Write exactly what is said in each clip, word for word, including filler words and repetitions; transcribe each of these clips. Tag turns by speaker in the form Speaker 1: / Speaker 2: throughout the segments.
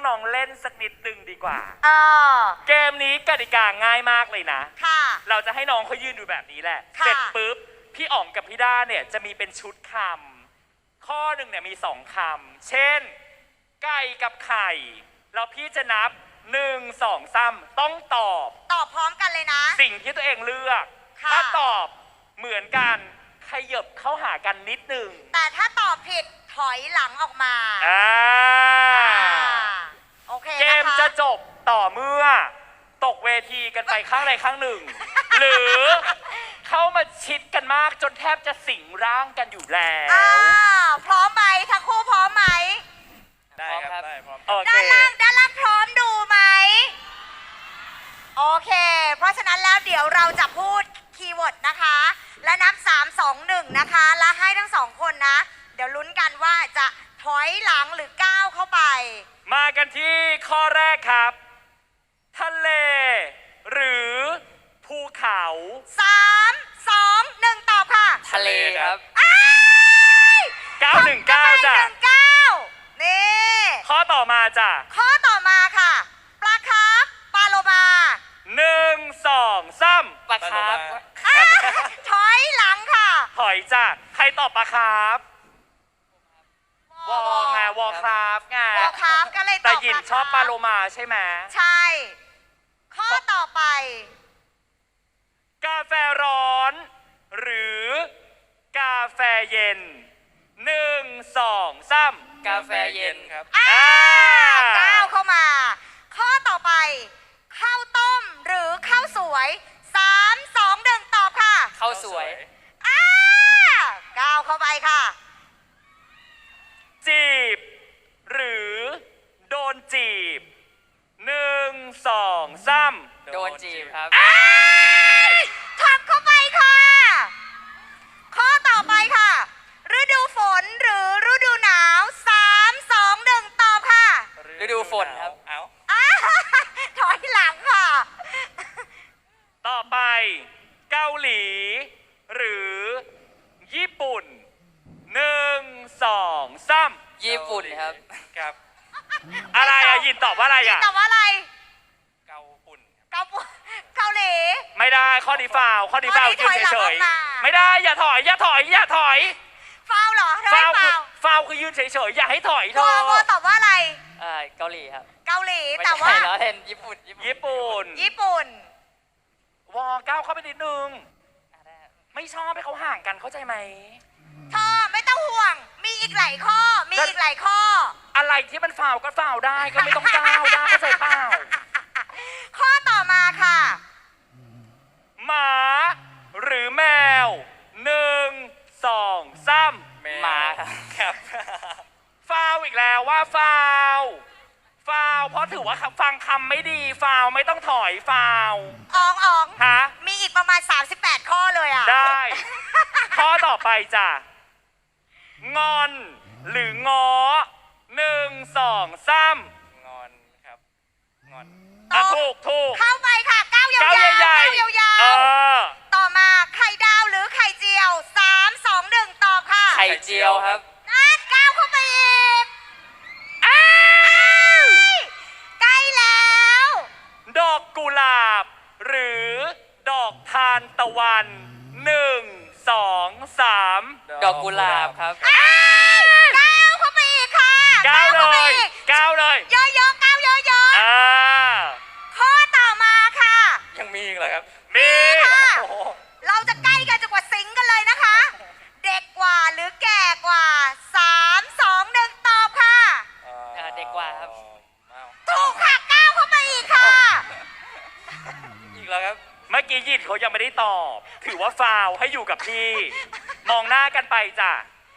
Speaker 1: น้องๆเล่นสักนิดนึงดีกว่า
Speaker 2: เออ
Speaker 1: เกมนี้กติกาง่ายมากเลยนะ
Speaker 2: ค่ะ
Speaker 1: เราจะให้น้องเขายืนดูแบบนี้แหละเสร็จปุ๊บพี่อ๋องกับพี่ด้าเนี่ยจะมีเป็นชุดคำข้อหนึ่งเนี่ยมีสองคำเช่นไก่กับไข่แล้วพี่จะนับหนึ่งสองสามต้องตอบ
Speaker 2: ตอบพร้อมกันเลยนะ
Speaker 1: สิ่งที่ตัวเองเลือกถ้าตอบเหมือนกันขยับเข้าหากันนิดนึง
Speaker 2: แต่ถ้าตอบผิดถอยหลังออกมา
Speaker 1: อ่า
Speaker 2: โอเค
Speaker 1: เกมจะจบต่อเมื่อตกเวทีกันไปข้างใดข้างหนึ่งหรือเข้ามาชิดกันมากจนแทบจะสิงร่างกันอยู่แล้ว
Speaker 2: พร้อมไหมทั้งคู่พร้อมไหม
Speaker 3: ได้ครับได้พร้อม
Speaker 2: ด้านล่างด้านล่างพร้อมดูไหมโอเคเพราะฉะนั้นแล้วเดี๋ยวเราจะพูดคีย์เวิร์ดนะคะและนับสาม สอง หนึ่งนะคะและให้ทั้งสองคนนะเดี๋ยวลุ้นกันว่าจะถอยหลังหรือก้าวเข้าไป
Speaker 1: มากันที่ข้อแรกครับทะเลหรือภูเขา
Speaker 2: สาม สอง หนึ่งตอบค่ะ
Speaker 3: ทะเลครับ
Speaker 1: เก้าหนึ่งเก้าจ้ะ
Speaker 2: นี่
Speaker 1: ข้อต่อมาจ้ะ
Speaker 2: ข้อต่อมาค่ะปลาคาร์ฟปลาโลมา
Speaker 1: หนึ่งสองสาม
Speaker 3: ปลาคาร์ฟ
Speaker 2: ถอยหลังค่ะ
Speaker 1: ถอยจ้ะใครตอบปลาคาร์ฟวอไงวอคราฟไง
Speaker 2: วอคราฟก็เลยตอบ
Speaker 1: แต่หยินชอบปลาโลมาใช่ไหม
Speaker 2: ใช่ข้อต่อไป
Speaker 1: กาแฟร้อนหรือกาแฟเย็นหนึ่งสองสาม
Speaker 3: กาแฟเย็นครับ
Speaker 2: ก้าวเข้ามาข้อต่อไปข้าวต้มหรือข้าวสวยสาม สอง หนึ่งตอบค่ะ
Speaker 3: ข้าวสวย
Speaker 2: ก้าวเข้าไปค่ะ
Speaker 1: จีบหรือโดนจีบหนึ่งสองสาม
Speaker 3: โดนจีบครับ
Speaker 2: ทับเข้าไปค่ะข้อต่อไปค่ะฤดูฝนหรือฤดูหนาวสาม สอง หนึ่งตอบค่ะ
Speaker 3: ฤดูฝนครับเอา
Speaker 2: ถอยหลังค่ะ
Speaker 1: ต่อไปเกาหลีหรือญี่ปุ่นหนึ่งสองสาม
Speaker 3: ญี่ปุ่นครับ
Speaker 1: ครับอะไรอะยินตอบว่าอะไรอะ
Speaker 2: ตอบว่าอะไร
Speaker 3: เกาปุ่น
Speaker 2: เกาปุ่นเกาหลี
Speaker 1: ไม่ได้ข้อดีฟาวข้อดีฟาวยืนเฉยๆไม่ได้อย่าถอยอย่าถอยอย่าถอย
Speaker 2: ฟาวเหรอ
Speaker 1: ฟาวคือฟาวคือยืนเฉยๆอย่าให้ถอยเธอ
Speaker 2: วอตอบว่าอะไร
Speaker 3: เกาหลีครับ
Speaker 2: เกาหลีแต่ว่า
Speaker 3: เราเห็นญี่ปุ่น
Speaker 1: ญี่ปุ่น
Speaker 2: ญี่ปุ่น
Speaker 1: วอก้าวเข้าไปนิดนึงไม่ชอบให้เขาห่างกันเข้าใจไหม
Speaker 2: เธอไม่ต้องห่วงมีอีกหลายข้อมีอีกหลายข้อ
Speaker 1: อะไรที่มันฟาวก็ฟาวได้ก็ไม่ต้องก้าวได้เข้าใจเปล่า
Speaker 2: ข้อต่อมาค่ะ
Speaker 1: หมาหรือแมวหนึ่งสองสาม
Speaker 3: หมาครับ
Speaker 1: ฟาวอีกแล้วว่าฟาวฟาวเพราะถือว่าฟังคำไม่ดีฟาวไม่ต้องถอยฟาว
Speaker 2: อ๋องอ๋อง
Speaker 1: ฮะ
Speaker 2: มีอีกประมาณสามสิบแปดข้อเลยอ่ะ
Speaker 1: ได้ข้อต่อไปจ้ะงอนหรือง้อหนึ่งสองสาม
Speaker 3: งอนครับงอน
Speaker 1: อ่ะถูกถูก
Speaker 2: เข้าไปค่ะก้าวยาว
Speaker 1: ก้าวใหญ่
Speaker 2: ๆต่อมาไข่ดาวหรือไข่เจียวสาม สอง หนึ่งตอบค่ะ
Speaker 3: ไข่เจียวครับ
Speaker 2: นั่นก้าวเข้าไปอีกอ้าวใกล้แล้ว
Speaker 1: ดอกกุหลาบหรือดอกทานตะวันหนึ่งสองสาม
Speaker 3: ดอกกุหลาบครับ
Speaker 2: ก้าวเข้าไปอีกค่ะ
Speaker 1: ก้าวเลยก้าวเลย
Speaker 2: เยอะๆก้าวเยอะๆข้อต่อมาค่ะ
Speaker 3: ยังมีอีกเหรอครับ
Speaker 1: มี
Speaker 2: ค่ะเราจะใกล้กันจนกว่าสิงกันเลยนะคะเด็กกว่าหรือแก่กว่าสาม สอง หนึ่งตอบค่ะ
Speaker 3: เด็กกว่าครับ
Speaker 2: ถูกค่ะก้าวเข้าไปอีกค่ะ
Speaker 3: อีกแล้วครับ
Speaker 1: เมื่อกี้ยิดเขายังไม่ได้ตอบถือว่าฟาวให้อยู่กับพี่มองหน้ากันไปจ้ะ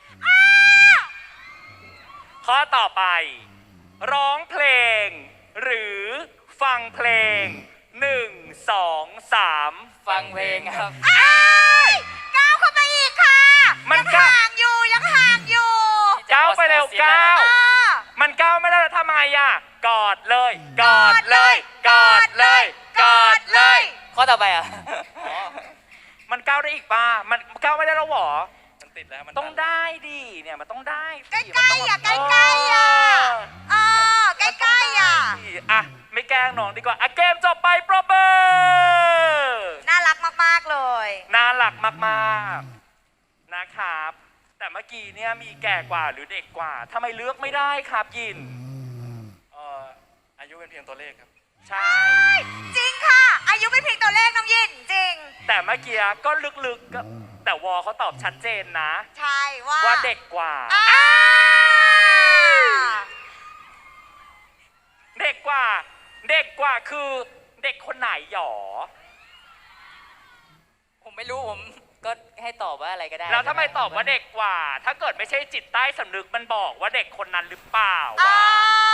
Speaker 1: ข้อต่อไปร้องเพลงหรือฟังเพลงหนึ่งสองสาม
Speaker 3: ฟังเพลงครับ
Speaker 2: ก้าวเข้าไปอีกค่ะยังห่างอยู่ยังห่างอยู่
Speaker 1: ก้าวไปเร็วก้าวมันก้าวไม่ได้แล้วทำไมอ่ะกอดเลยกอดเลยกอดเลยกอดเลย
Speaker 3: ข้อต่อไปอ่ะ
Speaker 1: มันก้าวได้อีกป่ะมันก้าวไม่ได้แล้วหรอ
Speaker 3: มันติดแล้วมัน
Speaker 1: ต้องได้ดิเนี่ยมันต้องได้
Speaker 2: ใกล้ๆอ่ะใกล้ๆอ่ะเออใกล้ๆอ่ะ
Speaker 1: ล้งน้องดีกว่าอ่ะเกมจบไปปรบมือ
Speaker 2: น่ารักมากๆเลย
Speaker 1: น่ารักมากๆนะครับ แต่เมื่อกี้เนี่ยมีแก่กว่าหรือเด็กกว่าทำไมเลือกไม่ได้ครับยิน
Speaker 3: เอ่ออายุเป็นเพียงตัวเลขครับ
Speaker 1: ใช่
Speaker 2: จริงค่ะ อายุไม่เพียงตัวเลขน้องยินจริง
Speaker 1: แต่เมื่อกี้ก็ลึกๆก็แต่วอเขาตอบชัดเจนนะ
Speaker 2: ใช่ว่า
Speaker 1: ว่าเด็กกว่า
Speaker 2: อ่า
Speaker 1: เด็กกว่า เด็กกว่าคือเด็กคนไหนหยอ
Speaker 3: ผมไม่รู้ผมก็ให้ตอบว่าอะไรก็ได้
Speaker 1: แล้วทำไมตอบว่าเด็กกว่า ถ้าเกิดไม่ใช่จิตใต้สำนึกมันบอกว่าเด็กคนนั้นหรือเปล่า
Speaker 2: อ่า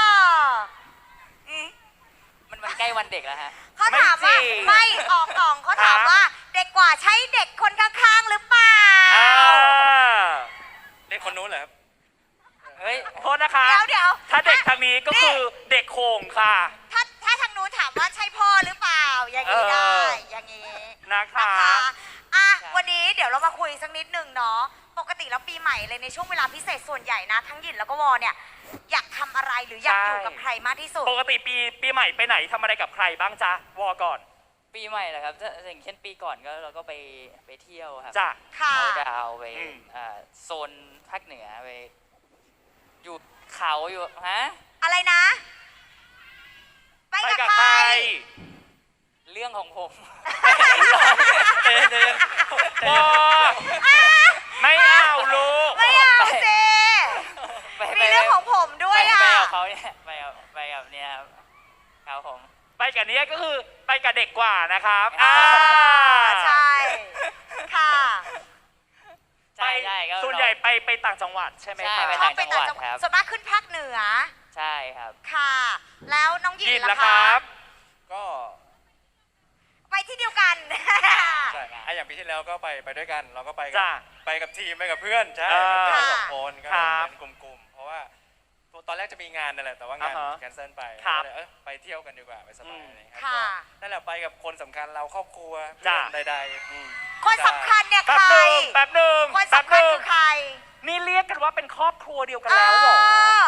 Speaker 3: มันมันใกล้วันเด็กแล้วฮะ
Speaker 2: เขาถามว่า
Speaker 1: ไม่จริง
Speaker 2: ไม่ออกกล่องเขาถาม
Speaker 1: ฮะ
Speaker 2: ว่าเด็กกว่าใช่เด็กคนข้างๆหรือเปล่า
Speaker 1: อ่า
Speaker 3: เด็กคนนู้นเหรอครับ เฮ้ย
Speaker 1: โทษนะคะ
Speaker 2: เดี๋ยวเดี๋ยว
Speaker 1: ถ้าเด็กทางนี้ก็คือเด็กโขงค่ะ
Speaker 2: ถ้าถ้าทางนู้นถามว่าใช่พ่อหรือเปล่า อย่างนี้
Speaker 1: เออ
Speaker 2: ได้ อย่างนี้
Speaker 1: นะคะ
Speaker 2: นะคะอ่ะ
Speaker 3: ครับ
Speaker 2: วันนี้เดี๋ยวเรามาคุยสักนิดหนึ่งเนาะ ปกติแล้วปีใหม่เลยในช่วงเวลาพิเศษส่วนใหญ่นะ ทั้งหยินแล้วก็วอเนี่ย อยากทำอะไรหรืออยากอยู่กับใครมากที่สุด
Speaker 1: ปกติปีปีใหม่ไปไหนทำอะไรกับใครบ้างจ๊ะ วอก่อน
Speaker 3: ปีใหม่เหรอครับถ้าอย่างเช่นปีก่อนก็เราก็ไปไปเที่ยวครับ
Speaker 1: จ้ะ
Speaker 2: ค่ะ
Speaker 3: เขาดาวน์ไป
Speaker 1: อืม
Speaker 3: อ่าโซนภาคเหนือไปอยู่เขาอยู่ฮะ
Speaker 2: อะไรนะ ไป
Speaker 1: ไป
Speaker 2: กับ
Speaker 1: กับ
Speaker 2: ใค
Speaker 1: ใค
Speaker 2: ร
Speaker 1: ร
Speaker 3: เรื่องของผม
Speaker 1: เตือนเตือนวอไม่เอาลูก
Speaker 2: ไม่เอาสิ
Speaker 3: ไป
Speaker 2: มีเรื่องของผมด้วย
Speaker 3: ไป
Speaker 2: อ่ะ
Speaker 3: ไปกับเขาเนี่ยไปกับไปกับเนี่ยครับครับผม
Speaker 1: ไปกับเนี้ยก็คือไปกับเด็กกว่านะครับ
Speaker 3: อ่า
Speaker 2: ใช่ ค่ะ
Speaker 3: ใช่ใช่ก็
Speaker 1: ส่วนใหญ่ไปไปต่างจังหวัดใช่ไหม
Speaker 3: ใช่
Speaker 1: คะ
Speaker 3: ไป
Speaker 2: ชอ
Speaker 3: ต่า
Speaker 2: บ
Speaker 3: ง
Speaker 2: ไป
Speaker 3: จังห
Speaker 2: ต่าง
Speaker 3: วัด
Speaker 2: จังห
Speaker 3: ค
Speaker 2: วัด
Speaker 3: รับ
Speaker 2: ส่วนมากขึ้นภาคเหนือ
Speaker 3: ใช่ครับ
Speaker 2: ค่ะ แล้วน้องหยิ
Speaker 1: ยิ
Speaker 2: น
Speaker 1: น
Speaker 2: ล่ะ
Speaker 1: ละค
Speaker 2: คะ
Speaker 1: รับ
Speaker 4: ก็
Speaker 2: ไปที่เดียวกัน
Speaker 4: ใช่ไอะอย่างปีที่แล้วก็ไปไปด้วยกัน เราก็ไปกั
Speaker 1: จ้ะ
Speaker 4: ไปกับทีมไปกับเพื่อนใช่
Speaker 1: เออ
Speaker 4: ไปกันสอง
Speaker 2: ค่ะ
Speaker 4: คนก็
Speaker 1: ครับ
Speaker 4: เป็นกลุ่มๆเพราะว่าตอนแรกจะมีงานนั่นแหละแต่ว่างาน
Speaker 1: อ่าฮะ
Speaker 4: แคนเซิลไป
Speaker 1: ครับ
Speaker 4: ก็เลยเออไปเที่ยวกันดีกว่าไปสบาย
Speaker 1: อืม
Speaker 4: อะไรอย่างเงี้ย
Speaker 2: ค่ะ
Speaker 4: ก็นั่นแหละไปกับคนสำคัญเราครอบครัว
Speaker 1: จ้ะ
Speaker 4: เพื่อนใดๆอืม
Speaker 2: คนสำคัญเนี่ย
Speaker 1: แป๊บ
Speaker 2: ใคร
Speaker 1: หนึ่งแป๊บหนึ่ง
Speaker 2: คน
Speaker 1: แป๊บ
Speaker 2: สำ
Speaker 1: ห
Speaker 2: คัญ
Speaker 1: นึ่ง
Speaker 2: คือใคร
Speaker 1: นี่เรียกกันว่าเป็นครอบครัวเดียวกัน
Speaker 2: เอ
Speaker 1: แล้วเหรอ
Speaker 2: อ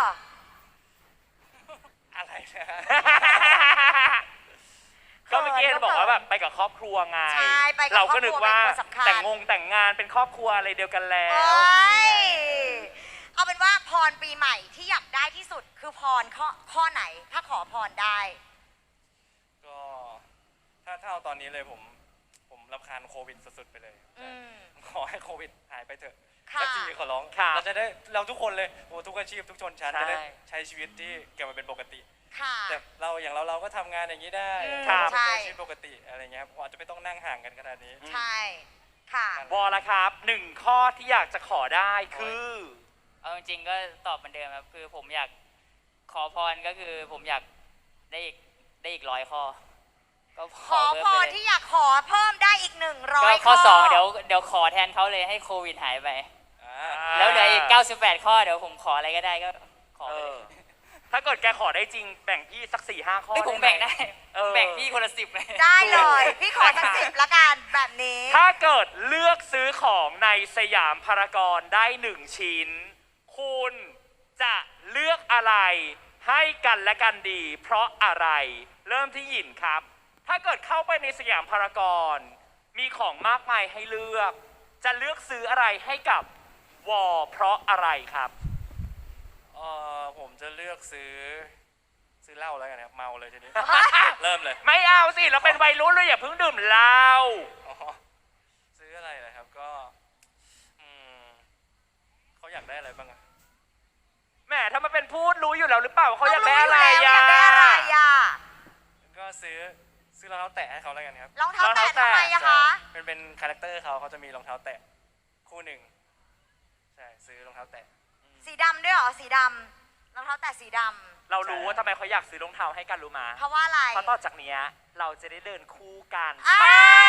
Speaker 4: อะไรนะฮะ
Speaker 1: ก็เมื่อกี้เห็นบอกว่าแบบไปกับครอบครัวไง
Speaker 2: ใช่ไปกับ
Speaker 1: เราก็นึกว่า
Speaker 2: ครอบครัวเป็นคนสำคัญ
Speaker 1: แต่งงงแต่งงานเป็นครอบครัวอะไรเดียวกันแล้
Speaker 2: โอ
Speaker 1: ว
Speaker 2: ้ยเอาเป็นว่าพรปีใหม่ที่อยากได้ที่สุดคือพรข้อข้อไหน ถ้าขอพรได้
Speaker 4: ก็ถ้าถ้าเอาตอนนี้เลยผมผมรำคาญโควิดสุดๆไปเลย
Speaker 2: อืม
Speaker 4: ขอให้โควิดหายไปเถอะ
Speaker 2: ค่ะ
Speaker 4: สักทีขอร้อง
Speaker 1: ครับ
Speaker 4: เราจะได้เราทุกคนเลยโอ้ทุกอาชีพทุกชนชั้น
Speaker 1: ใช่
Speaker 4: จะได้ใช้ชีวิตที่กลับมาเป็นปกติ
Speaker 2: ค่ะ
Speaker 4: แต่เราอย่างเราเราก็ทำงานอย่างนี้ได้
Speaker 2: อืม
Speaker 4: เรา
Speaker 2: ใช่
Speaker 4: ใช้ชีวิตปกติอะไรเงี้ยครับอาจจะไม่ต้องนั่งห่างกันขนาดนี้
Speaker 2: ใช่ ค่ะ
Speaker 1: วอละครับหนึ่งข้อที่อยากจะขอได้คือ
Speaker 3: เอาจริงๆก็ตอบเหมือนเดิมครับคือผมอยากขอพรก็คือผมอยากได้อีกได้อีกร้อยข้อ ก็
Speaker 2: ขอ
Speaker 3: เพิ่ม
Speaker 2: พ
Speaker 3: ไป
Speaker 2: ร
Speaker 3: เลย
Speaker 2: ที่อยากขอเพิ่มได้อีกหนึ่งร้อ
Speaker 3: ก็
Speaker 2: ย
Speaker 3: ข้อสองเดี๋ยวเดี๋ยวขอแทนเขาเลยให้โควิดหายไป
Speaker 4: อ่า
Speaker 3: แล้วเหลืออีกเก้าสิบแปดข้อเดี๋ยวผมขออะไรก็ได้ก็ขอ
Speaker 1: เอ
Speaker 3: ไปเล
Speaker 1: อย ถ้าเกิดแกขอได้จริงแบ่งพี่สักสี่ห้าข้อ
Speaker 3: ไม่ผม
Speaker 1: ห
Speaker 3: แบ่งได้
Speaker 1: เออ
Speaker 3: แบ่งพี่คนละสิบเลย
Speaker 2: ได้เลย พี่ขอทั้งสิบละกันแบบนี้
Speaker 1: ถ้าเกิดเลือกซื้อของในสยามพารากอนได้หนึ่งชิ้น คุณจะเลือกอะไรให้กันและกันดี เพราะอะไร เริ่มที่หยินครับ ถ้าเกิดเข้าไปในสยามพารากอนมีของมากมายให้เลือก จะเลือกซื้ออะไรให้กับวอเพราะอะไรครับ
Speaker 4: เออผมจะเลือกซื้อซื้อเหล้าแล้วกันครับเมาเลยทีนี้ เริ่มเลย
Speaker 1: ไม่เอาสิ เราเป็นวัยรุ่นเลยอย่าเพิ่งดื่มเหล้า
Speaker 4: อ๋อซื้ออะไรนะครับก็อืมเขาอยากได้อะไรบ้างอะ
Speaker 1: แหมถ้ามันเป็นพูดรู้อยู่แล้วหรือเปล่าว่าเขาอยากได้อะไร
Speaker 2: อยา
Speaker 1: อ่ะ
Speaker 2: กได้อะไรอ่ะ
Speaker 4: ก็ซื้อซื้อรองเท้าแตะให้เขาแล้วกันครับ
Speaker 2: รองเท้าร
Speaker 1: อง
Speaker 2: แตะ
Speaker 1: เท้าแตะ
Speaker 2: ทำไมอะคะ
Speaker 4: เป็นเป็นคาแรคเตอร์เขาเขาจะมีรองเท้าแตะคู่หนึ่งใช่ซื้อรองเท้าแตะ
Speaker 2: สีดำด้วยเหรอ สีดำรองเท้าแตะสีด
Speaker 1: เรารู้ว่าทำไมเขาอยากซื้อรองเท้าให้กันรู้มา
Speaker 2: ำเพราะว่าอะไร
Speaker 1: เพราะต่อจากเนี้ยเราจะได้เดินคู่กัน
Speaker 2: อ่า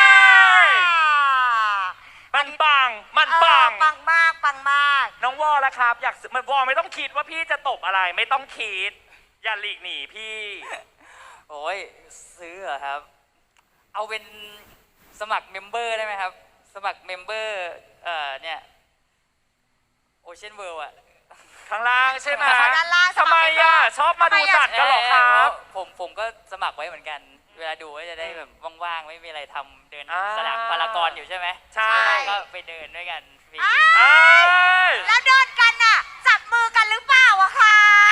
Speaker 1: มันปัง มัน
Speaker 2: เออ
Speaker 1: ปัง
Speaker 2: ปังมากปังมาก
Speaker 1: น้องวอละครับ อยากซื้อมันวอไม่ต้องคิดว่าพี่จะตบอะไร ไม่ต้องคิด อย่าหลีกหนีพี่
Speaker 3: โอ้ยซื้อเหรอครับ เอาเป็นสมัครเมมเบอร์ได้ไหมครับ สมัครเมมเบอร์เอ่อเนี่ยโอเชียนเวิลด์อะ
Speaker 1: ข้างล่างใช่ไหม
Speaker 2: ขอด้านล่าง
Speaker 1: ทำไมอ่ะชอบมาดูสัตว์กันเหรอครับ
Speaker 3: ผมผมก็สมัครไว้เหมือนกัน เวลาดูก็จะได้แบบว่างๆ ไม่มีอะไรทำเดิน
Speaker 1: อ่า
Speaker 3: สนามพารากอนอยู่ใช่ไหม
Speaker 1: ใช่
Speaker 3: ก็ไปเดินด้วยกันฟรี
Speaker 2: อ้า
Speaker 1: เอ้ย
Speaker 2: แล้วเดินกันน่ะ จับมือกันหรือเปล่าอะคะ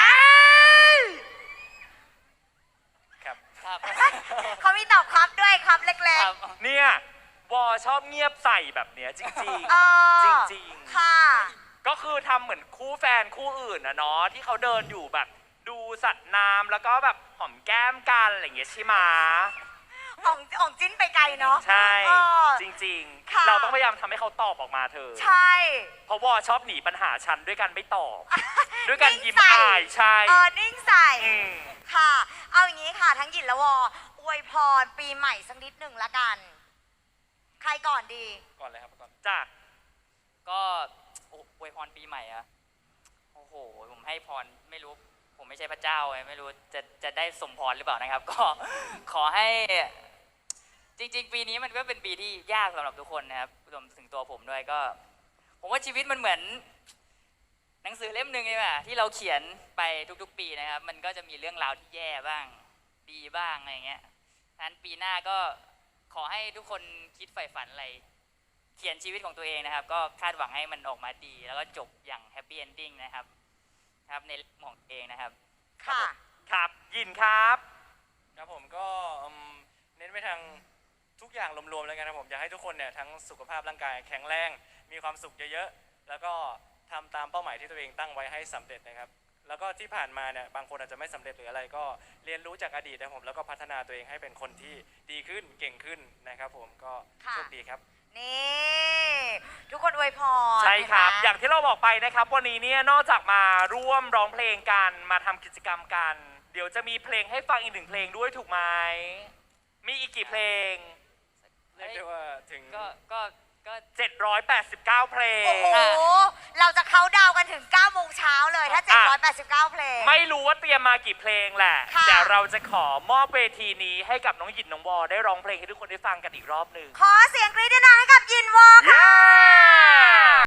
Speaker 4: ครับ
Speaker 3: ครับ
Speaker 2: เขามีตอบครับด้วยครับเล็ก
Speaker 3: ครับ
Speaker 1: เนี่ยวอชอบเงียบใส่แบบเนี้ยจริง
Speaker 2: ๆเออ
Speaker 1: จริงๆ
Speaker 2: ค่ะ
Speaker 1: ๆ ก็คือทำเหมือนคู่แฟนคู่อื่นนะเนาะที่เขาเดินอยู่แบบดูสัตว์น้ำแล้วก็แบบหอมแก้มกันอะไรอย่างเงี้ยใช่ไหม
Speaker 2: ของของจิ้นไปไกลเนาะ
Speaker 1: ใช่
Speaker 2: เออ
Speaker 1: จริง
Speaker 2: ค่ะ
Speaker 1: ๆ เราต้องพยายามทำให้เขาตอบออกมาเธอ
Speaker 2: ใช่
Speaker 1: เพราะวอชอบหนีปัญหาฉันด้วยกันไม่ตอบ ด้วยกันยิ้ม
Speaker 2: นิ่งใส่
Speaker 1: อายใช่
Speaker 2: เออนิ่งใส่
Speaker 1: อืม
Speaker 2: ค่ะ เอาอย่างนี้ค่ะ ทั้งหยินและวออวยพรปีใหม่สักนิดหนึ่งละกัน ใครก่อนดี
Speaker 4: ก่อนเลยครับก่อน
Speaker 1: จ้ะ
Speaker 3: ก็โอ้อวยพรปีใหม่อะโอ้โห ผมให้พรไม่รู้ ผมไม่ใช่พระเจ้าไงไม่รู้จะจะได้สมพรหรือเปล่านะครับ ก็ขอให้ จริง ๆ ปีนี้มันก็เป็นปีที่ยากสำหรับทุกคนนะครับรวมถึงตัวผมด้วยก็ ผมว่าชีวิตมันเหมือน หนังสือเล่มหนึ่งใช่ไหมที่เราเขียนไปทุกๆ ปีนะครับ มันก็จะมีเรื่องราวที่แย่บ้าง ดีบ้างอะไรเงี้ยฉะนั้นปีหน้าก็ขอให้ทุกคนคิดใฝ่ฝันอะไร เขียนชีวิตของตัวเองนะครับ ก็คาดหวังให้มันออกมาดี แล้วก็จบอย่างแฮปปี้เอนดิ้งนะครับครับในเรื่องของตัวเองนะครับ
Speaker 2: ค่ะ
Speaker 1: ครับยินครับ
Speaker 4: ครับผมก็อืมเน้นไปทางทุกอย่างรวมๆแล้วกันครับผมอยากให้ทุกคนเนี่ยทั้งสุขภาพร่างกายแข็งแรงมีความสุขเยอะๆแล้วก็ทำตามเป้าหมายที่ตัวเองตั้งไว้ให้สำเร็จนะครับแล้วก็ที่ผ่านมาเนี่ยบางคนอาจจะไม่สำเร็จหรืออะไรก็เรียนรู้จากอดีตนะครับผมแล้วก็พัฒนาตัวเองให้เป็นคนที่ดีขึ้นเก่งขึ้นนะครับผมก็
Speaker 2: ค่ะ
Speaker 4: โชคดีครับ
Speaker 2: นี่ ทุกคนอวยพร
Speaker 1: ใช่ครับ
Speaker 2: เห็นไหม
Speaker 1: อย่างที่เราบอกไปนะครับ วันนี้เนี่ยนอกจากมาร่วมร้องเพลงกันมาทำกิจกรรมกัน เดี๋ยวจะมีเพลงให้ฟังอีกหนึ่งเพลงด้วยถูกไหมมีอีกกี่เพลง
Speaker 4: เรียกได้ว่าถึง
Speaker 3: ก็ก็ก็
Speaker 1: เจ็ดร้อยแปดสิบเก้า เพลง
Speaker 2: โอ้โห เราจะเข้าดาวกันถึงเก้าโมงเช้าเลย ถ้า เจ็ดร้อยแปดสิบเก้า เพลง
Speaker 1: ไม่รู้ว่าเตรียมมากี่เพลงแหละ
Speaker 2: ค่ะ
Speaker 1: แต่เราจะขอมอบเวทีนี้ให้กับน้องหยินน้องวอได้ร้องเพลงให้ทุกคนได้ฟังกันอีกรอบหนึ่ง
Speaker 2: ขอเสียงกรี๊ดด้วยนะให้กับยินวอค่ะ
Speaker 1: เย้